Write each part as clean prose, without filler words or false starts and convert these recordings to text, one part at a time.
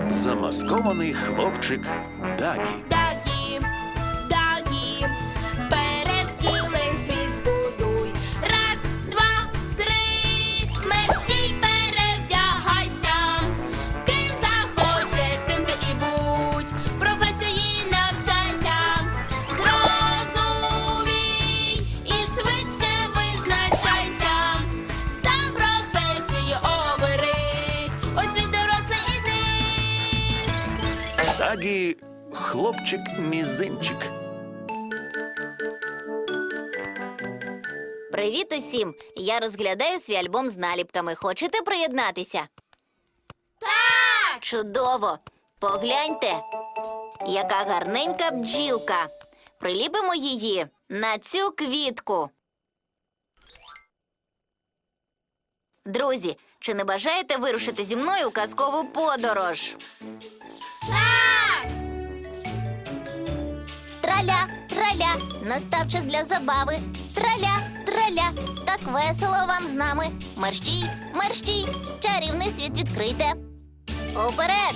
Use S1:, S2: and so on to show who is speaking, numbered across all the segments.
S1: Замаскований хлопчик Дагі.
S2: Дагі, Дагі, перевтілень світ збудуй. Раз, два, три, мерщій перевдягайся. Ким захочеш, тим ти і будь. Професії навчайся. Зрозумій і швидше визначайся. Сам професію обери. Ось він дорослий іди.
S1: Дагі – хлопчик-мізинчик.
S3: Привіт усім! Я розглядаю свій альбом з наліпками. Хочете приєднатися?
S2: Так!
S3: Чудово! Погляньте, яка гарненька бджілка. Приліпимо її на цю квітку. Друзі, чи не бажаєте вирушити зі мною у казкову подорож?
S2: Так!
S3: Траля, траля, настав час для забави. Траля, траля, так весело вам з нами. Мерщій, мерщій, чарівний світ відкрийте. Уперед!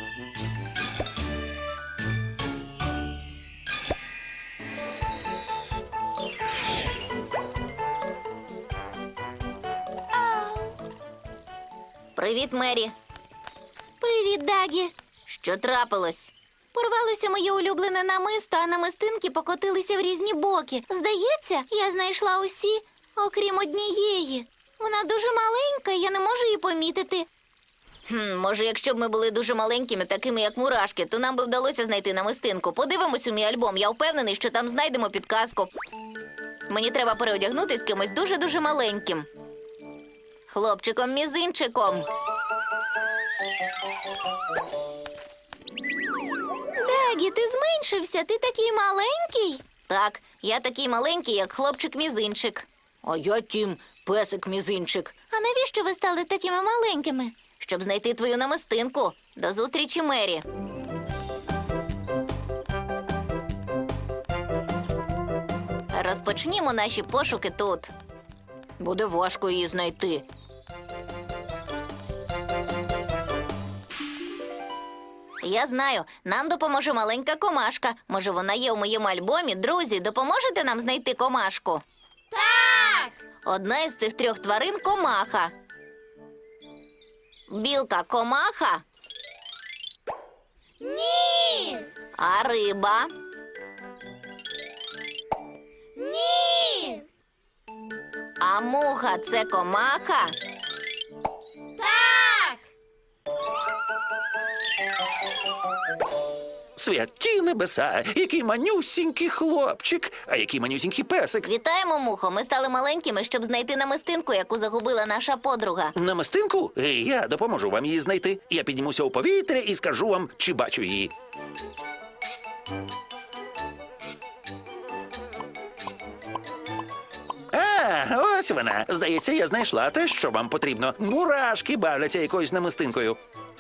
S3: Привіт, Мері. Привіт, Дагі. Що трапилось? Порвалося моє улюблене намисто, а намистинки покотилися в різні боки. Здається, я знайшла усі, окрім однієї. Вона дуже маленька, і я не можу її помітити. Може, якщо б ми були дуже маленькими, такими як мурашки, то нам би вдалося знайти намистинку. Подивимось у мій альбом, я впевнений, що там знайдемо підказку. Мені треба переодягнутися з кимось дуже-дуже маленьким. Хлопчиком-мізинчиком. Дагі, ти зменшився, ти такий маленький? Так, я такий маленький, як хлопчик-мізинчик. А я Тім, песик-мізинчик. А навіщо ви стали такими маленькими? Щоб знайти твою намистинку. До зустрічі, Мері. Розпочнімо наші пошуки тут. Буде важко її знайти. Я знаю, нам допоможе маленька комашка. Може, вона є у моєму альбомі? Друзі, допоможете нам знайти комашку?
S2: Так!
S3: Одна із цих трьох тварин – комаха. Білка – комаха,
S2: Ні!
S3: а риба
S2: Ні!
S3: – а муха – це комаха.
S2: Так!
S1: Святі небеса, який манюсінький хлопчик, а який манюсінький песик.
S3: Вітаємо, мухо. Ми стали маленькими, щоб знайти намистинку, яку загубила наша подруга.
S1: Намистинку? Я допоможу вам її знайти. Я піднімуся у повітря і скажу вам, чи бачу її. Ось вона. Здається, я знайшла те, що вам потрібно. Мурашки бавляться якоюсь намистинкою.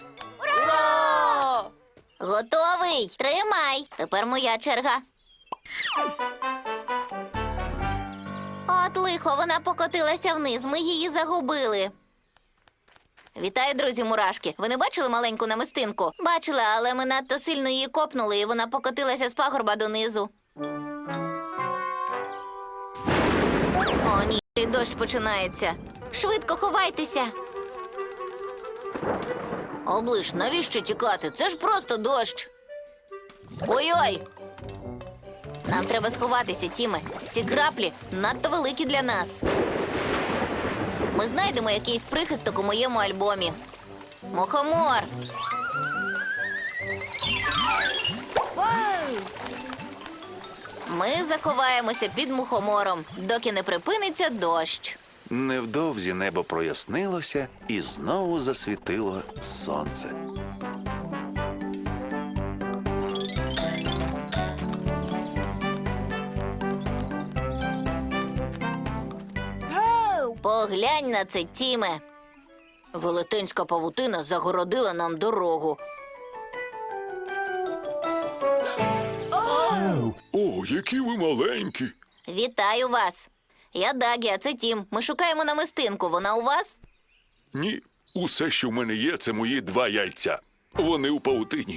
S2: Ура!
S3: Готовий? Тримай. Тепер моя черга. От лихо, вона покотилася вниз. Ми її загубили. Вітаю, друзі мурашки. Ви не бачили маленьку намистинку? Бачила, але ми надто сильно її копнули, і вона покотилася з пагорба донизу. О, ні, дощ починається. Швидко ховайтеся. Оближ, навіщо тікати? Це ж просто дощ. Ой-ой! Нам треба сховатися, Тіме. Ці краплі надто великі для нас. Ми знайдемо якийсь прихисток у моєму альбомі. Мухомор! Ми заховаємося під мухомором, доки не припиниться дощ.
S1: Невдовзі небо прояснилося і знову засвітило сонце.
S3: Поглянь на це, Тіме. Велетенська павутина загородила нам дорогу.
S4: О, які ви маленькі.
S3: Вітаю вас. Я Дагі, а це Тім. Ми шукаємо намистинку. Вона у вас?
S4: Ні, усе, що в мене є, це мої 2 яйця. Вони у павутині.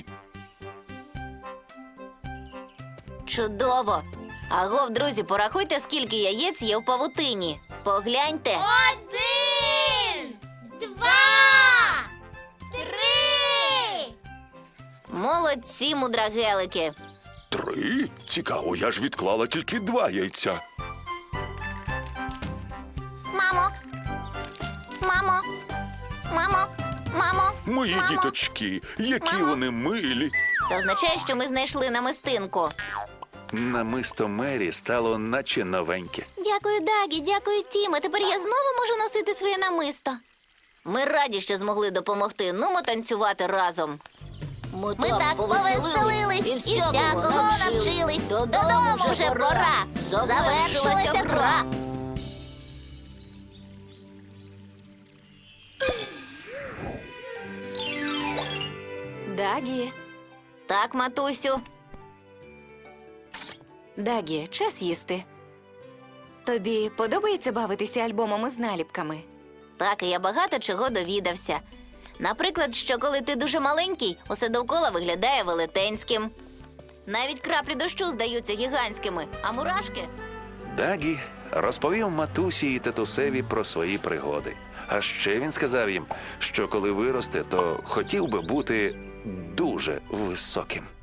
S3: Чудово! Агов, друзі, порахуйте, скільки яєць є в павутині. Погляньте.
S2: 1, 2, 3.
S3: Молодці, мудрагелики.
S4: 3? Цікаво, я ж відклала тільки 2 яйця.
S3: Мамо! Мамо! Мамо! Мамо!
S4: Мої
S3: Мамо!
S4: діточки, які
S3: Мамо!
S4: вони милі.
S3: Це означає, що ми знайшли намистинку.
S1: Намисто Мері стало наче новеньке.
S3: Дякую, Дагі, дякую, Тіме. Тепер я знову можу носити своє намисто. Ми раді, що змогли допомогти. Нумо танцювати разом. Ми так повеселились і всякого навчились. Додому вже пора. Завершилася гра.
S5: Дагі,
S3: Так, матусю.
S5: Дагі, час їсти. Тобі подобається бавитися альбомами з наліпками?
S3: Так, і я багато чого довідався. Наприклад, що коли ти дуже маленький, усе довкола виглядає велетенським. Навіть краплі дощу здаються гігантськими, а мурашки
S1: Дагі розповів матусі і татусеві про свої пригоди. А ще він сказав їм, що коли виросте, то хотів би бути дуже високим.